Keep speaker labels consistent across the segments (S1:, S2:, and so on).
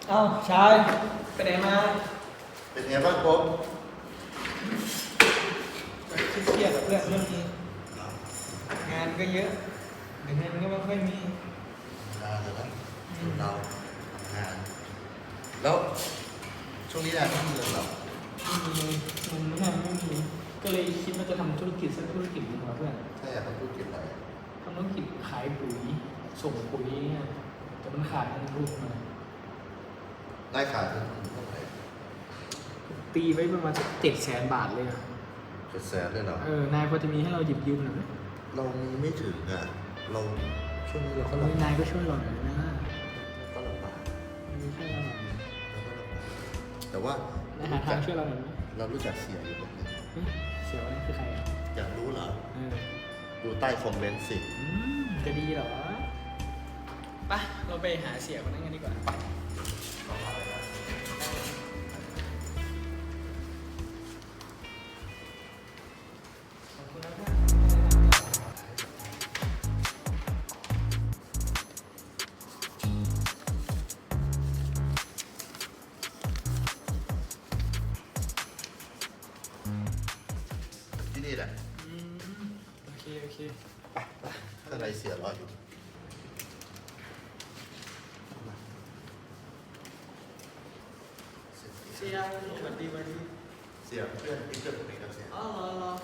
S1: เอ้าชายไปไหนมา
S2: เป็นไงบ้างผม
S1: เครียดกับเพื่อนเรื่องนี้งานก็เยอะแต่เงินก็ไม่ค่อยมี
S2: เลยนะเราทำงานแล้วช่วงนี้ได้ไม่มีเงินหรอ
S1: ไม่มีเงินไม่มีก็เลยคิดว่าจะทำธุรกิจสักธุรกิจหนึ่งเพื่อน
S2: ถ้าอยากทำธุรกิจอะไร
S1: ทำธุรกิจขายปุ๋ยส่งปุ๋ยเนี่ยแต่มันขาดเงินทุนมา
S2: ได้ขายเท่าไหร่
S1: ตีไว้ประมาณ700,000 บาทเลยอะ
S2: 700,000เลยเหรอน
S1: ายพอจะมีให้เราหยิบยืมหน่อยไหม
S2: เรามีไม่ถึงอ่ะเราช่วงนี้เราก็ลำบาก
S1: นายก็ช่วยเราหน่อยนะ
S2: ก็ลำบาก
S1: ไม่ช่วยเราหน่อย
S2: เราก็ลำบากแต่ว่าน
S1: ายหาทางช่วยเราหน่อยไหม
S2: เรารู้จักเสียอยู่คนนึง
S1: เสียวันนี้คือใครอ่ะ
S2: อยากรู้เหรอดูใต้คอมเมนต์สิ
S1: จะดีเหรอไปเราไปหาเสียคนนั้นกันดีกว่าไป
S2: ที่นี่แหละ
S1: โอเค
S2: ไปข้างในเสียรออยู่
S1: เสียสวัสดี
S2: เสียเพื่อนที่เกิดตรงนี้ครับเสีย
S1: อ๋อรอ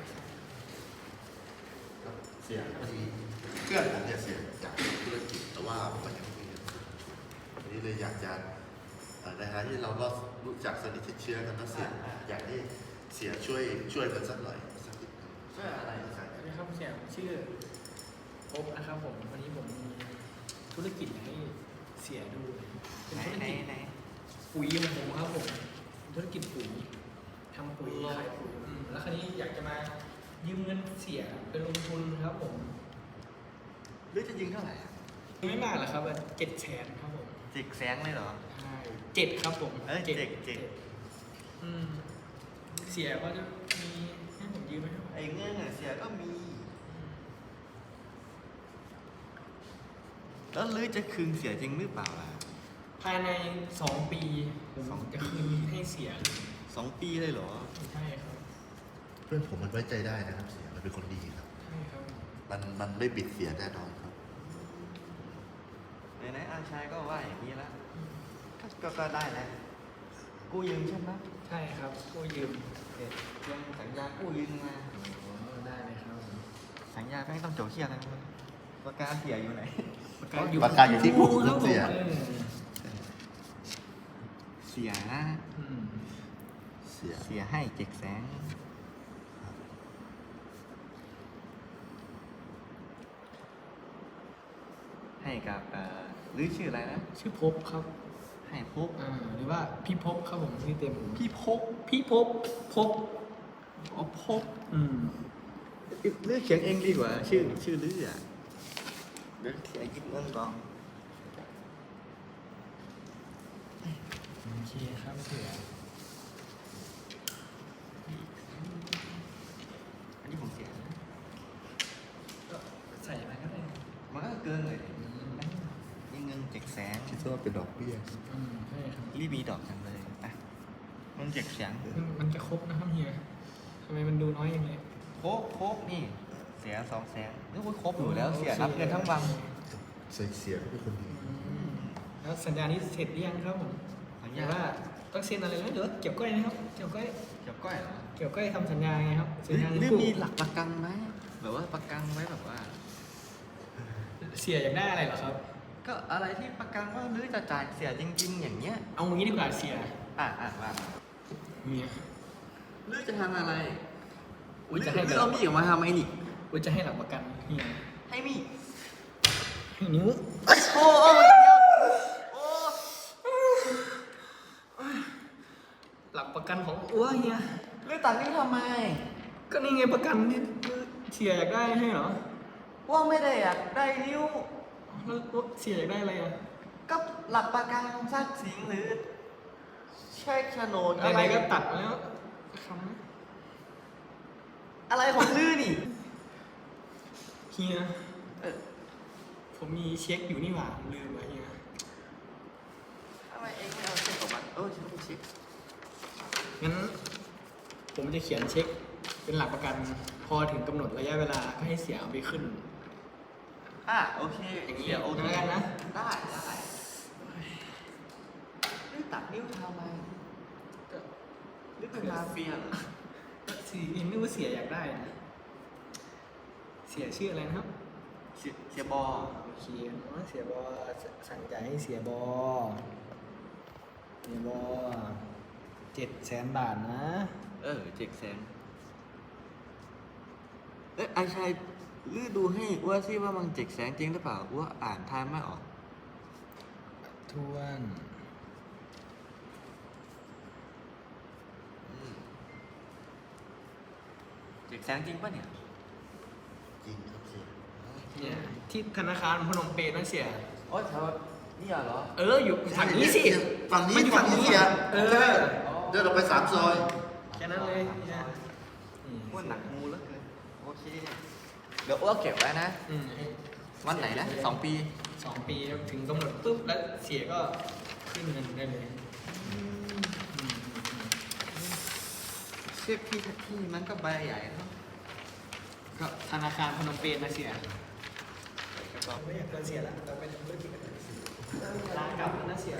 S2: เสียพอดีเพื่อนผมเนี่ยเสียอยากทำธุรกิจแต่ว่ามันยังไม่มีเงินวันนี้เลยอยากจะในฐานะที่เราก็รู้จักสนิทเชื้อกันนะเสียอยากให้เสียช่วยกันสักหน่อยสักนิดนึง
S1: ช่วยอะไรครับเสียชื่อพบนะครับผมวันนี้ผมมีธุรกิจให้เสียดูเป็นธุรกิจปุ๋ยของผมครับผมธุรกิจปุ๋ยทำปุ๋ยขายปุ๋ยแล้วคราวนี้อยากจะมายืมเงินเสียเป็นลงทุนครับผม
S3: หรือจะยืมเท่าไหร่
S1: ไม่มากหรอกครับ700,000ครับผม
S3: 700,000เลยเหรอ
S1: ใช่7ครับผม
S3: เจ็ด
S1: เสียก็จะมีให้ผมยืมไหมครับ
S3: ไอ้เงินเสียก็มีแล้วลือจะคืนเสียจริงหรือเปล่าล่ะ
S1: ภายใน2 ปีผมจะคืนให้เสีย
S3: 2 ปีเลยเหรอ
S1: ใช่ครับ
S2: เพื่อนผมมันไว้ใจได้นะครับเสียมันเป็นคนดีครับ
S1: ใช่ครับ
S2: มันไม่บิดเสียแน่นอนครับ
S3: ไหนอาชายก็ว่าอย่างนี้แล้วก็ได้แล้วกู้ยืมใช่ไหม
S1: ใช่ครับกู้ยืม
S3: ยังสัญญากู้ยืมมา
S1: ได้เลยครับ
S3: สัญญาไม่ต้องโจเชี่ยอะไรปากกาเสียอยู่ไหน
S2: ปากกาอยู่ที่ผู้เสีย
S3: เสียนะเสียให้700,000ให้กับหรือชื่ออะไรนะ
S1: ชื่อพบครับ
S3: ให้พบ
S1: หรือว่าพี่พบครับผมชื่อเต็ม
S3: พี่พบอ๋อพบเลือกเขียนเองดีกว่าชื่อลืออ่ะเดี๋ยวเขียนคิดเงินก่อน
S1: โอเคครับเสีย
S3: อันนี้ผมเสีย
S1: ก็ใส่อะไรก็ได้
S3: มันก็เกินเลยยิ่งเงิน700,000
S2: คิดว่าเป็นดอกเบี้ย
S1: ใช่ครับ
S3: รีบมีดอกจังเลยอ่ะมัน700,000
S1: มันจะครบนะครับเฮียทำไมมันดูน้อยอย่างนี้
S3: ครบนี่เสีย200,000นึกว่าครบอยู่แล้วเสียรับเงินทั้งวัน
S2: เสียก็เป็นคนดี
S1: แล้วสัญญานี้เสร็จหรือยังครับผมสัญญาว่าต้องเซ็นอะไรไหมเดี๋ยวเกี่ยวก้อยนะครับเกี่ยวก้อย
S3: เหรอ
S1: เกี่ยวก้อยทำสัญญาไงครับสัญญา
S3: หรือมีหลักประกันไหมแบบว่าประกันไว้แบบว่า
S1: เสียอยากได้อะไรเหรอครับ
S3: ก็อะไรที่ประกันว่าหรือจะจ่ายเสียจริงๆอย่างเงี้ย
S1: เอางี้ดีกว่าเสีย
S3: ว่า
S1: เนี่ย
S3: หรือจะทำอะไรจะให้เรามีออกมาทำไอ้นี่
S1: จะให้หลักประกันนี่
S3: ให้มี
S1: ให้นิ้ว
S3: โอ้
S1: หลักประกันของอ้วเฮีย
S3: หรือตัดนิ้วทำไม
S1: ก็นี่ไงประกันที่เสียอยากได้ให้เหรอ
S3: ว่าไม่ได้อยากได้นิ้ว
S1: แล้วเสียอยากได้อะไรอ่ะ
S3: ก็หลักประกันทรัพย์สินหรือเช็คโฉนด
S1: อะไรก็ตัดแล้วคำ
S3: อะไรของลือนี่
S1: เฮียผมมีเช็คอยู่นี่หว่าลืมไว้เฮีย
S3: ทำไมเอ
S1: งั้นผมจะเขียนเช็คเป็นหลักประกัน พอถึงกำหนดระยะเวลาก็ให้เสียเอาไปขึ้น
S3: โอเค
S1: อย่างนี้
S3: เดี๋ยวโอเค
S1: แล้วกันนะ
S3: ได้นี่ตัดนิ้วทำไมนี่เป็นมาเฟียเหรอ
S1: สียังไม่รู้เสียอยากได้นะเสียชื่ออะไรนะครับ
S3: เสียบอ
S1: โอเคเสียบอสั่งจ่ายให้เสียบอ700,000 บาทนะ
S3: 700,000ไอชายลือดูให้ว่าซิว่ามัน700,000จริงหรือเปล่าว่าอ่านทายไม่ออก
S1: ทวน
S3: 700,000จริงปะเนี่ย
S2: จริงครับเสีย
S1: เนี่ยที่ธนาคารพนมเปญนั่นเสีย
S3: โอ้แถวนี่เหรอ
S1: อยู่ฝั่งนี้สิ
S2: ฝั่งนี้
S1: มันอยู่
S2: ฝั่งนี้เสีย
S1: เอ
S2: ใช่
S1: อ
S2: เดินออกไป3 ซอย
S1: แค่นั้นเลยเนี่ย
S3: ว่าหนักมูแล้วเกินโอเค เดี๋ยวอ้วกเก็บไว้นะ
S1: อืม
S3: วันไหนนะ2 ปี
S1: 2 ปีถึงกำหนดปุ๊บแล้วเสียก็ขึ้นเงินได้เลย
S3: เชือกที่มันก็ใบใหญ่เนาะ
S1: ก็ธนาคารพนมเปญนะเสียไม่อยากเกินเสียแล้วเราไปทำธุรกิจกันลากลับแล้วนะเสีย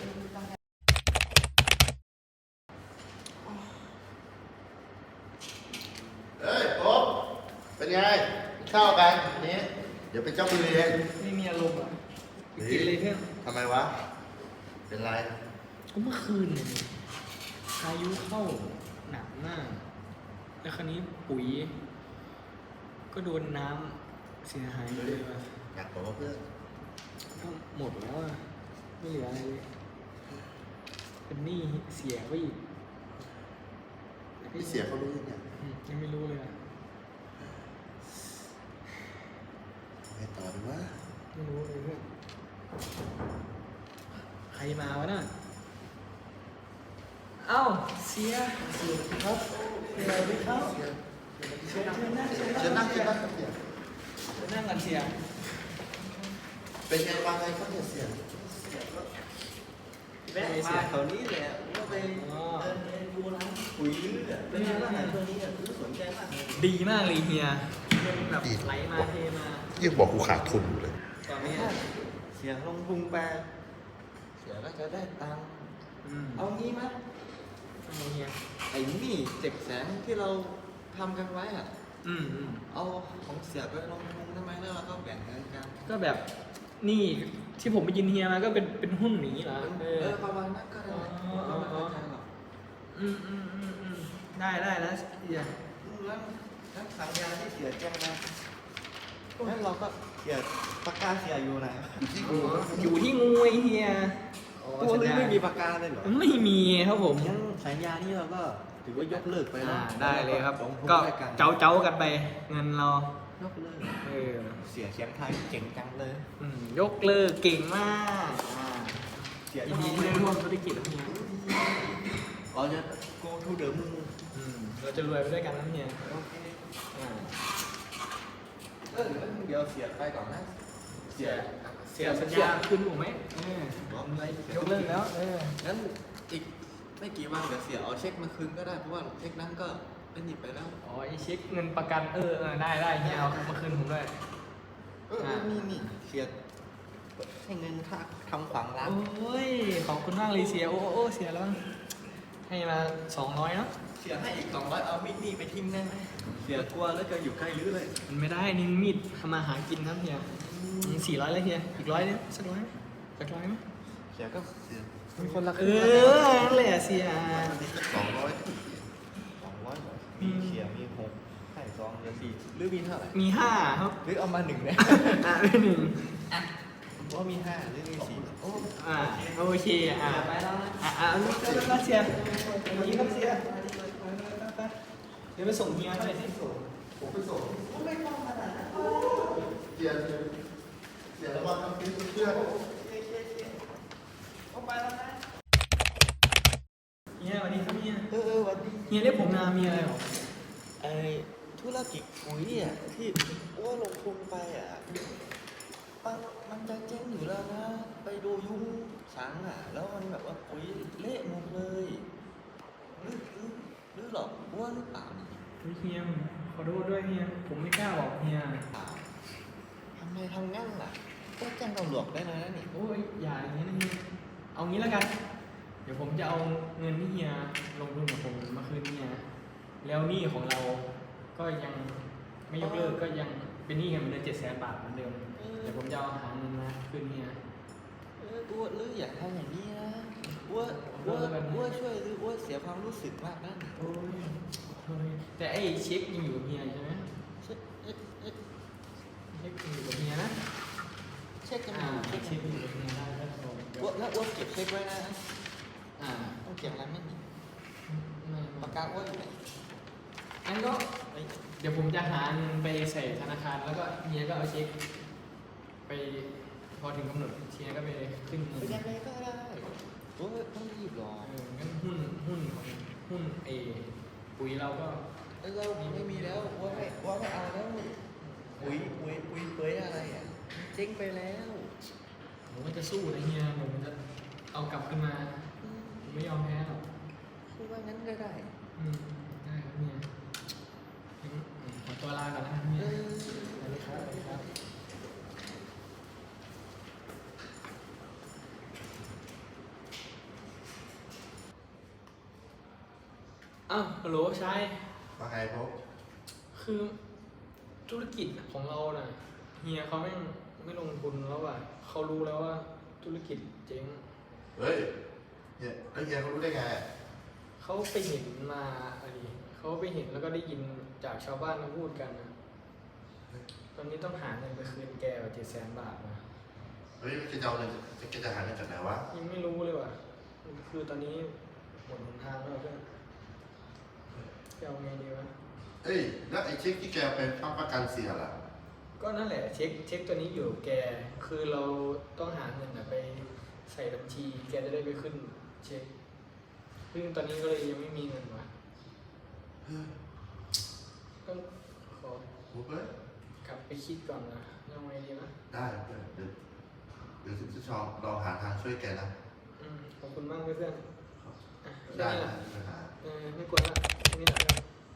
S2: เฮ้ยโอ๊บเป็นไงเข้ากันนี้เดี๋ยวเป็นเจ้ามือเอง
S1: ไม่มีอารมณ์อ่ะกินเลยเพื่อน
S2: ทำไมวะ เป็นไร
S1: ก็เมื่อคืนเนี่ยพายุเข้าหนักมาก แล้วคราวนี้ปุ๋ย ก็โดนน้ำเสียหายเลยว่ะ
S2: อยากบอกว่าเพื่อน
S1: ก็หมดแล้วอ่ะ ไม่เหลืออะไรเลยเป็นหนี้เสียไปอีก
S2: พี่เสียเขารู้ยังไง
S1: ยังไม่รู้เลยอ่ะ
S2: ไงต่อดีวะ
S1: ไม่รู้เลยเพื่อนใครมาวะน่ะเอ้าเสียครับเสียดีครับเชิญนั่ง
S2: เชิญนั่งเชิญนั่งครับเสีย
S1: เชิญนั่งกันเสีย
S2: เป็นไงบ้างไงครับเสีย
S3: แวะมาแถวนี้แหละว่าไปเดินเรียนดูร้านปุ๋ยลื้ออะเป็นไงบ้างช่วงนี้อะรู้สนใจมากเลย
S1: ดีมากเลยเฮียเงินแบบไหลมาเทมา
S2: ยังบอกกูขาดทุนอยู่เลย
S1: ตอนนี้
S3: เสียงลงพุงแปลเสียก็จะได้ตังค์เอางี้ไหม
S1: เฮีย
S3: ไอ้นี่700,000ที่เราทำกันไว้อะ
S1: อืม
S3: เอาของเสียไปลงทุนได้ไหมแล้วเราก็แบ่งเงินกัน
S1: ก็แบบนี่ที่ผมไปยินเฮียมาก็เป็นหุ้นหนีเหรอ
S3: ประมาณนั้นก็ได้ไม่เข้าใจหรอก
S1: ได้นะเฮีย
S3: แล้วสัญญาที่เสียแจ้งนะงั้นเราก็เสียปากกาเสียอยู่ไหน
S1: อยู่ที่งูไอเฮีย
S3: ตัวนี้ไม่มีปากกาเลยเหรอ
S1: ไม่มีครับผม
S3: งั้นสัญญานี้เราก็ถือว่ายกเลิกไปแล้ว
S1: ได้เลยครับ
S3: ลงทุน
S1: ก็
S3: ด้วยกัน
S1: เจ้ากันไปเงินเรา
S3: ยกเลิก
S1: เออ
S3: เสียเสียงไทยเก่งจังเลย
S1: ยกเลิกเก่งมาก
S3: เสีย
S1: ยินดีที่ได้ร่วมธุรกิจกับเฮีย
S3: เราจะ go to the moon
S1: เราจะรวยไปด้วยกันนะเฮีย
S3: โอเค
S1: อ่า
S3: เดี๋ยวเสียไปก่อนนะเสีย
S1: เสียสัญญาคืนผมไหม
S3: บอกอะไร
S1: ยกเลิกแล้ว
S3: งั้นอีกไม่กี่วันเดี๋ยวเสียเอาเช็คมาคืนก็ได้เพราะว่าเช็คนั้นก็เป็นหยิบไปแล้ว
S1: อ๋อไอเช็คเงินประกันได้เฮียเอามาคืนผมด้วย
S3: นี่เสียให้เงินค่าทำขวางร้าน
S1: โอ้ยขอบคุณมากเลยเสียโอ้เสียแล้วมั้งให้มา200เนาะ
S3: เสียให้อีก200เอามิดนี่ไปทิ้งได้ไหมเสียกลัวแล้วก็อยู่ใกล้ลื้อเลย
S1: มันไม่ได้นี่มีดทำมาหากินครับเฮีย400เลยเฮียอีก100เนี่ยสัก100ไหมไหม
S3: เสียก็
S2: เสีย
S3: มีคนละค
S1: เอ
S3: รึ่ง
S1: อนั่นแหละเสีย
S2: วันนี้สัก200
S3: 200มีเสียมี6ให้2เหลือ4หรือมีเท่าไหร่
S1: มี5ครับ
S3: หรือเอามา1เนี่ย
S1: เป็น1
S3: ว่ามี5หรือมี4โอ้
S1: โอเค
S3: ไปแล้วนะ
S1: แล้วเสียวันนี้ครับเสียเดี๋ยวไปส่งเฮียเท่าไหร่สิ
S2: ผมไปส่งไม่ต้องขนาดนั้นเสียระวังทำเป็นเพื่อน
S1: เฮียวันนี้ครับเฮีย
S3: วันดี
S1: เฮียเรียกผมนามีอะไรหรอ
S3: ไอ้ธุรกิจปุ๋ยอ่ะที่ว่าลงทุนไปอ่ะมันจะเจ๊งอยู่แล้วนะ ไปดูยุ้งสังอ่ะ แล้วมันแบบว่าปุ๋ยเละหมดเลย
S1: ฮียขอโทษด้วยเฮียผมไม่กล้าบอกเฮีย
S3: ทำไมทำงั้นล่ะก็แจ้งตำรวจได้เลยนะนี่
S1: โอ้ยอย่าอย่างนี้นะเฮียเอางี้แล้วกัน เดี๋ยวผมจะเอาเงินที่เฮียลงทุนกับผมมาคืนเฮียแล้วหนี้ของเราก็ยังไม่ยกเลิกก็ยังเป็นหนี้กันเหมือนเดิม700,000 บาทเหมือนเดิมเดี๋ยวผมจะเอาหาเงินมาคืนเฮีย
S3: อ้วนหรืออย่าทำอย่างนี้นะอ้วนช่วยหรืออ้วนเสียความรู้สึกมากนะนี่
S1: โอ้ยแต่ไอ้เช็คยังอยู่กับเฮียใช่ไหม
S3: เช็ค
S1: เช็คยังอยู่กับเฮียนะ
S3: เช็คกันอ
S1: อ่า
S3: ยู่
S1: เช็คยังอยู่กับเฮียได้แล้วผมเดี๋ยว
S3: อ้วนแล้วอ้วนเก็บเช็คไว้นะ
S1: อ่า
S3: ต้องเก็บอะไรไม่มี
S1: ไม่
S3: ปากกาอ้วนอยู่ไหน
S1: งั้นก็เดี๋ยวผมจะหาเงินไปใส่ธนาคารแล้วก็เฮียก็เอาเช็คไปพอถึงกำหนดเฮียก็ไปขึ้นเงิน
S3: ไปยังไงก็ได้โอ้ยต้องรีบหรอ
S1: งั้นหุ้นของหุ้นปุ๋ยเราก็
S3: เราไม่มีแล้วอ้วนไม่เอาแล้วปุ๋ยเปยอะไรอ่ะเจ๊งไปแล้ว
S1: ผมก็จะสู้นะเฮียผมจะเอากลับขึ้นมาผมไม่ยอมแพ้หรอก
S3: คือว่างั้นก็ได้
S1: ได้ครับเฮียงั้นขอตัวลาก่อนนะครับเฮียสวัสดีครับสวัสดีครับอ้าวฮัลโหลชาย
S2: ว่าไงพบ
S1: คือธุรกิจของเราน่ะเฮียเขาไม่ลงทุนแล้วว่ะเขารู้แล้วว่าธุรกิจเจ๊ง
S2: เฮ้ยเนี่ยแล้วเฮียเขารู้ได้ไงอะ
S1: เขาไปเห็นมาอะไรเขาไปเห็นแล้วก็ได้ยินจากชาวบ้านมาพูดกันนะตอนนี้ต้องหาเงินไปคืนแกว่า700,000 บาทนะ
S2: เฮ้ยแกจะเอาเงินแกจะหาเงินจากไหนวะ
S1: ยังไม่รู้เลยว่ะคือตอนนี้หมดหนทางแล้วเพื่อนจะเอาไงดีวะ
S2: เอ้ยแล้วไอ้เช็คที่แกเป็นประกันเสียล่ะ
S1: ก็นั่นแหละเช็คตัวนี้อยู่กับแกคือเราต้องหาเงินน่ะไปใส่บัญชีแกจะได้ไปขึ้นเช็คซึ่งตอนนี้ก็เลยยังไม่มีเงินว่ะก็ขอ
S2: โอ้เฮ้ย
S1: กลับไปคิดก่อนนะยังไงดีนะ
S2: ได้เพื่อนเดี๋ยวจะชอบเราหาทางช่วยแกนะ
S1: ขอบคุณมากเพื่อนอ่ะแค่
S2: ได้
S1: นี้แห
S2: นะ
S1: ละ
S2: ไม่มีปัญหา
S1: ไม่กวนละแค่นี้แหละ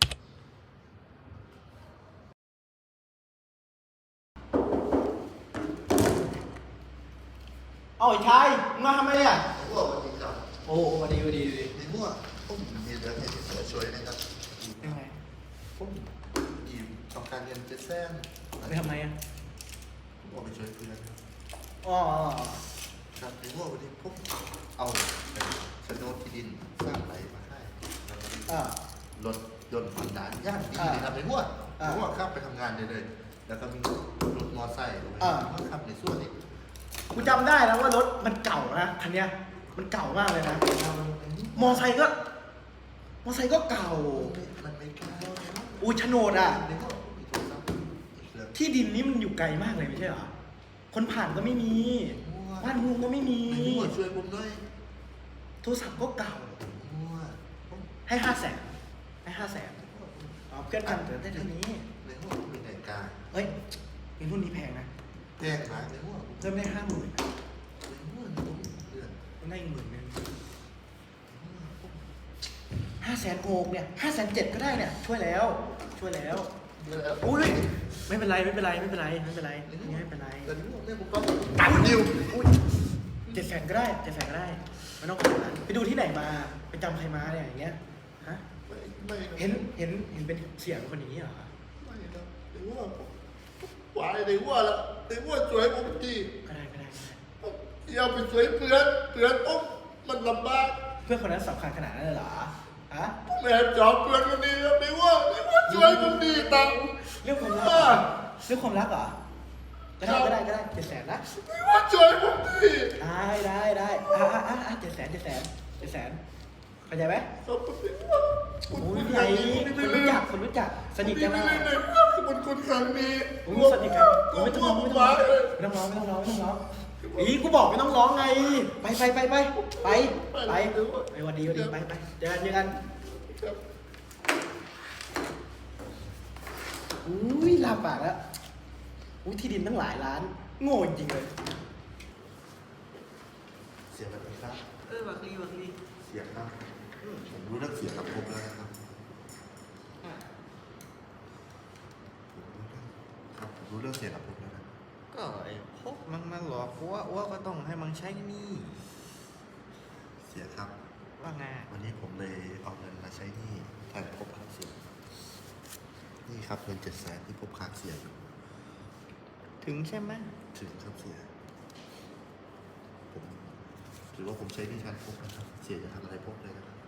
S3: เอาไอ้ชายมึงมาทำไมอ่ะ
S2: ไอ้พวกวันนี้ครับ
S3: โอ้วันดี
S2: ไอ้พวกผมมีเรื่องให้ที่ช่วยนะครับ
S3: ยังไง
S2: ผมอีต้องการเงินจะแซง
S3: ไปทำไมอ่ะ
S2: ผมเอาไปช่วยเพื่อน
S3: อ๋อ
S2: ครับไอ้พวกวันนี้ผมเอาไปโฉนดที่ดินสร้างไรมาให้แล้วก็
S3: อ่าร
S2: ถยนต์ผ่อนด่านย่านดีเลยครับไอ้พวกไอ้พวกขับไปทำงานได้เลย แล้วก็มีรถมอไซค์ด้วยมันขับในส่วนนี้
S3: กูจำได้แล้วว่ารถมันเก่านะคันเนี้ยมันเก่ามากเลยนะมอไซค์ก็เก่า
S2: มันไม่กล้า
S3: อูโฉนดอ่ะ
S2: ในพวกมีโทรศัพท์อีกเครื่อง
S3: ที่ดินนี้มันอยู่ไกลมากเลยไม่ใช่เหรอ คนผ่านก็ไม่มี บ้านเมืองก็ไม่มี
S2: ไอ้พวกช่วยผมด้วย
S3: โทรศัพท์ก็เก่า
S2: มั่วผม
S3: ให้500,000ให้500,000เอาเพื่อนกันเกิดได้เท่านี้
S2: ในพวกมีนาฬิกา
S3: เฮ้ยเป็นรุ่นนี้แพงนะ
S2: แพงนะในพวก
S3: เพิ่มได้50,000
S2: ในพวกผมเดือน
S3: มันได้อีก10,000500,000โกกเนี่ย507,000ก็ได้เนี่ย ช่วยแล้วอุ้ยไม่เป็นไรนี่ไม่เป็นไร
S2: แต่นี่ผมก็
S3: ตัดดิวอุ้ย700,000ก็ได้ไม่ต้องขนาดนั้นไปดูที่ไหนมาไปจำใครมาเนี่ยอย่างเงี้ยฮะ
S2: ไม่
S3: เห็นเป็นเสียงคนอย่างนี้เหรอ
S2: ไม่ครับในพวกวายในพวกละในพวกช่วยผมที
S3: ก็ได้
S2: อย่าไปช่วยเพื่อนผมมันลำบาก
S3: เพื่อนคนนั้นสำคัญขนาดนั้นเลยเหรอฮะ
S2: ผมแอบจอบเพื่อนคนนี้ครับในพวกช่วยผมดีตังค์
S3: เรื่องความรักเหรอก็ได้700,000นะ
S2: ในพวกช่วยผมดี
S3: ได้700,000เข้าใจไหม
S2: ขอบคุณในพวก
S3: โอ้ยไหนคนรู้จักสนิทกัน
S2: ไม่
S3: มา
S2: ได้ในพวกคุณครั้งนี้
S3: โอ้ยสนิทกันไม่ต้องร้องอีกูบอกไม่ต้องร้องไงไปวันดีไปเจอกันอุ้ยลาปากแล้วอุ้ยที่ดินตั้งหลายล้านโง่จริงเลย
S2: เสียแบบนี้ครับ
S3: บักลี
S2: เสียครับผมรู้เรื่องเสียกับผมแล้วนะครับเรื่องเสียกับผมแล้วนะ
S4: ก็ไอ้พวกมันมาหลอกอ้วก็ต้องให้มันใช้หนี่
S2: เสียครับ
S4: ว่าไง
S2: วันนี้ผมเลยเอาเงินมาใช้หนี้แทนพบค้างเสียนี่ครับเงิน700,000ที่พบค้างเสียอยู่
S4: ถึงใช่ไหม
S2: ถึงครับเสียผมถือว่าผมใช้หนี้แทนพบนะครับ เสียจะทำอะไรพบเลยนะครับ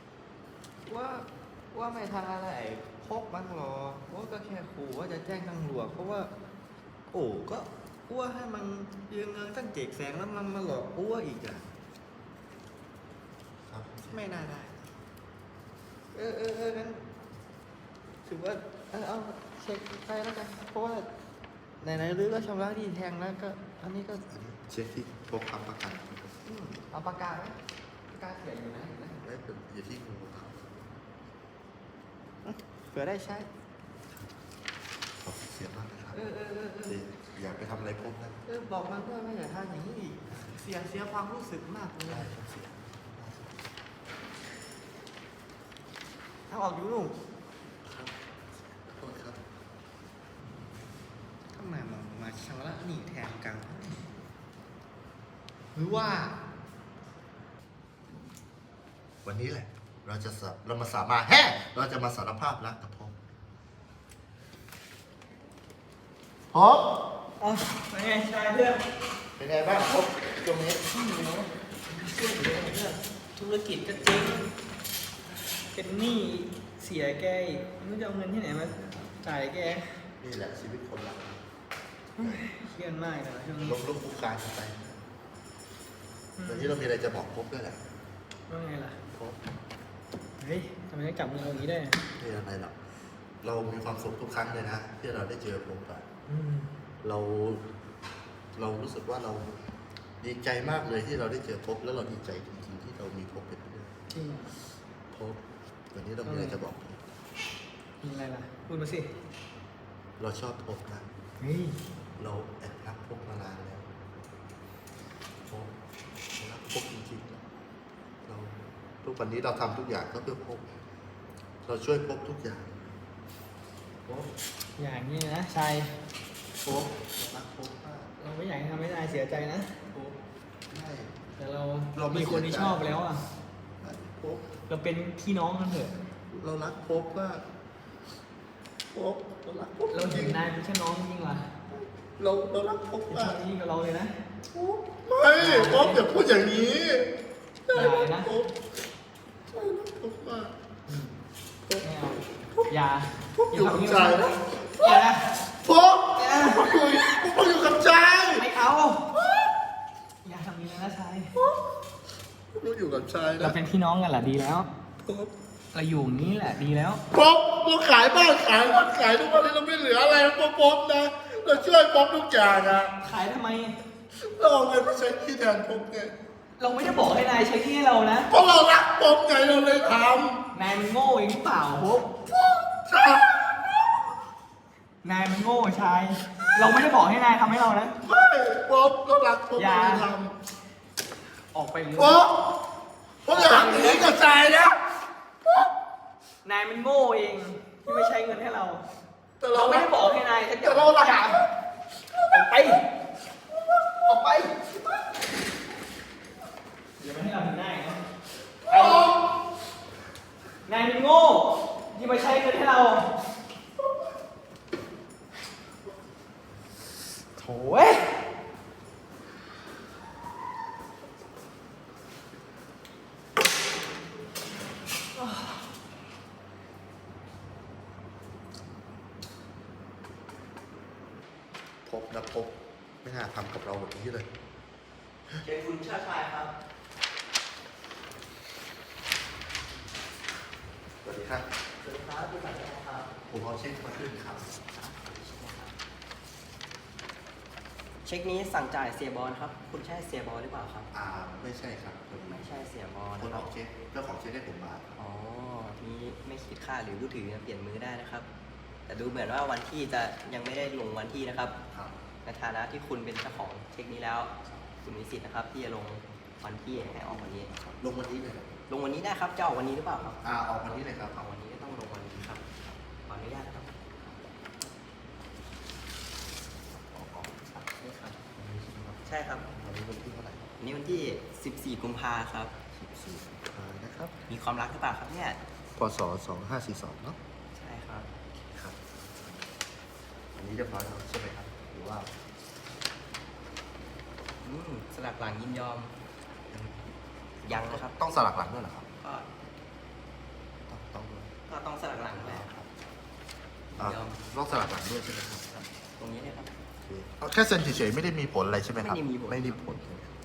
S4: ว่าไม่ทำอะไรพวกมันหรอกว่าก็แค่ขู่ว่าจะแจ้งตำรวจเพราะว่า โอ้ก็อ้วให้มันยืมเงินตั้ง700,000แล้วมันมาหลอกอ้วอีกอ่ะ
S2: ครับ
S4: ไม่น่าได้ งั้นถือว่าเอาเช็คไปแล้วกัน เพราะว่าไหนๆหรือก็ชำระหนี้แทงแล้วก็ อันนี้ก็
S2: อันนี้เช็คที่พบค้ำประกัน
S4: เอาปากกาไหมปากกาเขียนอยู่นะ
S2: และเป็นอยู่ที่งูครับ
S4: เผื่อได้ใช้
S2: ขอบคุณเสียมากนะครับ
S4: เออ
S2: อย่าไปทำอะไรพบนะ
S4: บอกมันด้วยว่าอย่าทำอย่างนี้อีกเสียความรู้สึกมากเลย
S2: ได้ครับเสีย
S4: ถ้าออกอยู่นู่น
S2: ครับขอโทษครับ
S4: ทำไมมาชำระหนี้แทนกันหรือว่า
S2: วันนี้แหละ เรามาสาารภาพรักกับพบพบ
S1: อ๋อเป็นไงชายเพื่อน
S2: เป็นไงบ้างพบตรงนี้
S1: ช่วยเหลือเพื่อนธุรกิจก็เจ๊งเป็นหนี้เสียแกอีกไม่รู้จะเอาเงินที่ไหนมาจ่ายแก
S2: นี่แหละชีวิตคนเรา
S1: เครียดมากเลยนะช่วงนี้
S2: ล้มลุกคลุกคลานกันไปวันนี้เรามีอะไรจะบอกพบด้วยแหละ
S1: ว่าไงล่ะ
S2: พบ
S1: เฮ้ยทำไมต้องจับมือเราอย่างนี้ได้
S2: ไม่อะไรหรอกเรามีความสุขทุกครั้งเลยนะที่เราได้เจอพบอะ
S1: อืม
S2: เรารู้สึกว่าเราดีใจมากเลยที่เราได้เจอพบแล้วเราดีใจจริงๆที่เรามีพบเป็นเพื่อน
S1: จริง
S2: พบวันนี้เรามีอะไรจะบอกพบ
S1: มีอะไรล่ะพูดมาสิ
S2: เราชอบพบนะ
S1: เฮ้ย
S2: เราแอบรักพบมานานแล้วพบรักพบจริงๆเราทุกวันนี้เราทำทุกอย่างก็เพื่อพบเราช่วยพบทุกอย่างพบ
S1: อย่างนี้นะชาย
S2: พบเรารักพบมาก
S1: เราไม่อยากให้ทำให้นายเสียใจนะ
S2: พบไม่
S1: แต่เรา
S2: เราไม่
S1: มีคนที่
S2: เสียใจ
S1: ชอบแล้วอ่ะ
S2: พบ
S1: เราเป็นพี่น้องกันเถอะ
S2: เรารักพบมากพบเรารักพบ
S1: เรา
S2: จ
S1: เห็
S2: ริ
S1: น
S2: ง
S1: นายเป็นแค่น้องจริงว่ะ
S2: เรารักพบ
S1: เป็น
S2: มา
S1: ชาก ตินี้กับเราเลยนะ
S2: พบไม่พบอย่าพูดอย่างนี้
S1: อย่านะ
S2: พบใช่รักพบมาก
S1: ไม่เอาอย่า
S2: พบอยู่กับใจนะ
S1: อย่านะ
S2: พบพบอยู่กับใจ
S1: ไม่เอาอย่าทำนี้นะชาย
S2: พบอยู่กับใจ
S1: เรา
S2: นะ
S1: เป็นพี่น้องกันแหละดีแล้ว
S2: พบ
S1: เราอยู่อย่างนี้แหละดีแล้ว
S2: พบเราขายบ้านขายรถขายทุกวันนี้เราไม่เหลืออะไรพบนะเราช่วยพบทุกอย่างนะ
S1: ขายทำไม
S2: เราเอาเงินไปใช้ที่แทนพบไง
S1: เราไม่ได้บอกให้นายใช้ที่ให้เรานะ
S2: เพราะเรารักพบไงเราเลยท
S1: นายมันโง่เองหรือเปล่าพบ
S2: ำใช่
S1: นายมันโง่ชาย เราไม่ได้บอกให้นายทำให้เรานะ
S2: ไม่พบเรารักพบ
S1: อย่า
S2: เราเลยท
S1: ออกไปเลย
S2: ำพบอย่าทำอย่างนี้กับใจนะ
S1: นายมันโง่เองที่ไม่ใช้เงินให้เรา
S2: แต่
S1: เรา
S2: เรา
S1: ไม่
S2: ไม่
S1: ได้บอกให้นายสักอย่า
S2: แต่
S1: ง
S2: เรารัก
S1: อย่าออกไป อย่ามาให้เราเห็นหน้าอีกนะไปนายมันโง่ที่มาใช้เงินให้เราโถ่เว้ย
S2: พบนะพบไม่น่าทำกับเราแบบนี้เลย
S4: เชิญคุณชาติชายครับ
S2: สวัสดีครับ
S4: สวัสดีครับคุณสันติครับ
S2: ผมเอาเช็คมาขึ้นครับ
S5: เช็คนี้สั่งจ่ายเสียบอลครับ คุณใช่เสียบอลหรือเปล่าครับ
S2: ไม่ใช่ครับคน
S5: ไม่ใช่เสียบอล
S2: คน
S5: นะค
S2: อ
S5: รั
S2: อบ กเช็คเจ้าของเช็คให้ผมมา
S5: อ๋อนี้ไม่คิดค่าหรือผู้ถือเปลี่ยนมือได้นะครับ แต่ดูเหมือนว่าวันที่จะยังไม่ได้ลงวันที่นะครับ
S2: ครับ
S5: ในฐานะที่คุณเป็นเจ้าของเช็คนี้แล้ว คุณมีสิทธิ์นะครับ ที่จะลงวันที่ให้ออกวันนี้
S2: ลงวันนี้เลยครับ
S5: ลงวันนี้ได้ครับ จะออกวันนี้หรือเปล่าครับ
S2: ออกวันนี้เลยครับ
S5: ออกวันนี้ก็ต้องลงวันนี้ครับ ขออนุญาตครับ
S1: นี่ครับ
S2: วันนี้ใช่ไหมครับ
S5: ใช่ครับ
S2: วันนี้วันที่เท่าไหร่
S5: วันนี้วันที่ 14 กุมภาครับ
S2: 14นะครับ
S5: มีความรักหรือเปล่าครับเนี่ย
S2: พศ2542เนาะ
S5: ใช่ครับ
S2: ครับอันนี้เรียบร้อยแล้วใช่ไหมครับหรือว่า
S5: สลักหลังยินยอม ยังนะครับ
S2: ต้องสลักหลังด้วยเหรอครับ
S5: ก็
S2: ต้องด้วย
S5: ก็ต้องสลักหลังแหละครับยิ
S2: อ่ะ
S5: นยอม
S2: ต้องสลักหลังด้วยใช่ไหมครับ
S5: ครับตรงนี้เลยครับ
S2: โอเคเอาแค่เซ็นเฉยๆไม่ได้มีผลอะไรใช่ไหมครับ
S5: ไม่ได้มีผล
S2: ไม่ได้มีผลใช่ไหมครับ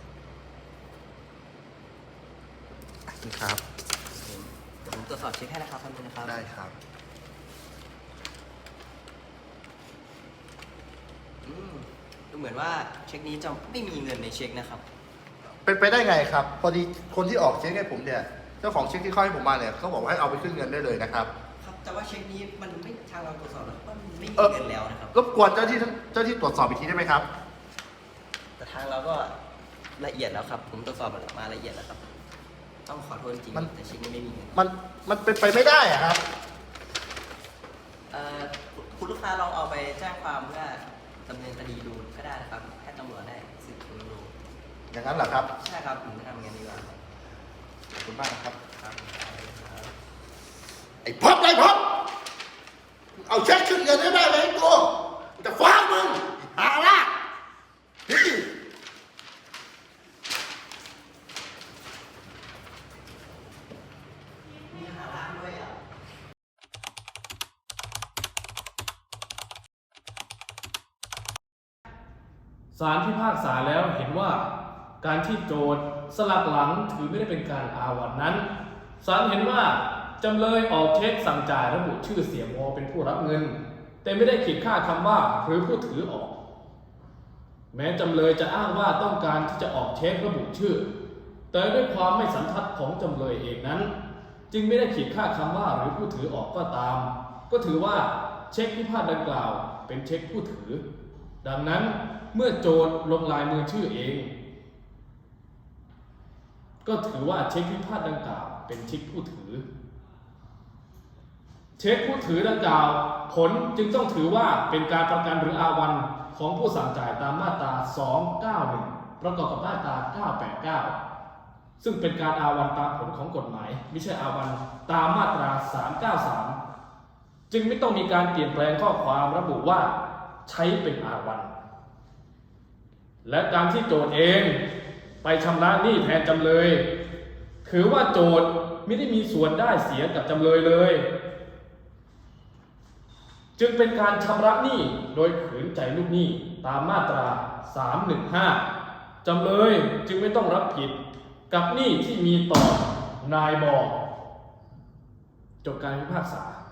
S2: นี่ครับ
S5: เดี๋ยวผมตรวจสอบเช็คให้นะครับท่านผู้นะครับ
S2: ได้ครับ
S5: ดูเหมือนว่าเช็คนี้จะไม่มีเงินในเช็คนะครับ
S2: เป็นไปได้ไงครับ พอดีคนที่ออกเช็คให้ผมเนี่ย เจ้าของเช็คที่เขาให้ผมมาเนี่ยเขาบอกว่าให้เอาไปขึ้นเงินได้เลยนะครับ
S5: ครับแต่ว่าเช็คนี้มันไม่ทางเราตรวจสอบแล้วว่ามันไม่มี
S2: เออ
S5: เงินแล้วนะครับ
S2: รบกวนเจ้าที่ตรวจสอบอีกทีได้ไหมครับ
S5: แต่ทางเราก็ละเอียดแล้วครับ ผมตรวจสอบมาละเอียดแล้วครับ ต้องขอโทษจริง
S2: มัน
S5: ๆแต่เช็คนี้ไม่มีเงิน
S2: มันเป็นไปไม่ได้อะครับ
S5: เอ่อคุณลูกค้าลองเอาไปแจ้งความเพื่อดำเนินคดีดูก็ได้นะครับให้ตำรวจได้สืบสวนดู
S2: อย่างนั้นเหรอครับ
S5: ใช่ครับผมจะทำงานดีกว่าครับ
S2: ขอบคุณมากนะครับ
S5: ครับ
S2: ไอ้พบเอาเช็คขึ้นเงินให้ได้ไหมกูจะฟ้องมึงหาละนี่
S5: มีหาร้านด้วยอ่ะ
S6: ศาลพิพากษาแล้วเห็นว่าการที่โจทย์สลักหลังถือไม่ได้เป็นการอาวัตนั้นศาลเห็นว่าจำเลยออกเช็คสั่งจ่ายระบุชื่อเสียโมเป็นผู้รับเงิน แต่ไม่ได้ขีดค่าคำว่าหรือผู้ถือออก แม้จำเลยจะอ้างว่าต้องการที่จะออกเช็คระบุชื่อ แต่ด้วยความไม่สันทัดของจำเลยเองนั้น จึงไม่ได้ขีดค่าคำว่าหรือผู้ถือออกก็ตาม ก็ถือว่าเช็คพิพาทดังกล่าวเป็นเช็คผู้ถือ ดังนั้นเมื่อโจทย์ลงลายมือชื่อเอง ก็ถือว่าเช็คพิพาทดังกล่าวเป็นเช็คผู้ถือ เช็คผู้ถือดังกล่าวผลจึงต้องถือว่าเป็นการประกันหรืออาวันของผู้สั่งจ่ายตามมาตรา 291 ประกอบกับมาตรา 989 ซึ่งเป็นการอาวันตามผลของกฎหมายไม่ใช่อาวันตามมาตรา 393 จึงไม่ต้องมีการเปลี่ยนแปลงข้อความระบุว่าใช้เป็นอาวัน และการที่โจทย์เองไปชำระหนี้แทนจำเลย ถือว่าโจทย์ไม่ได้มีส่วนได้เสียกับจำเลยเลย จึงเป็นการชำระหนี้โดยขืนใจลูกหนี้ตามมาตรา 315 จำเลยจึงไม่ต้องรับผิดกับหนี้ที่มีต่อนายบอจบการพิพากษา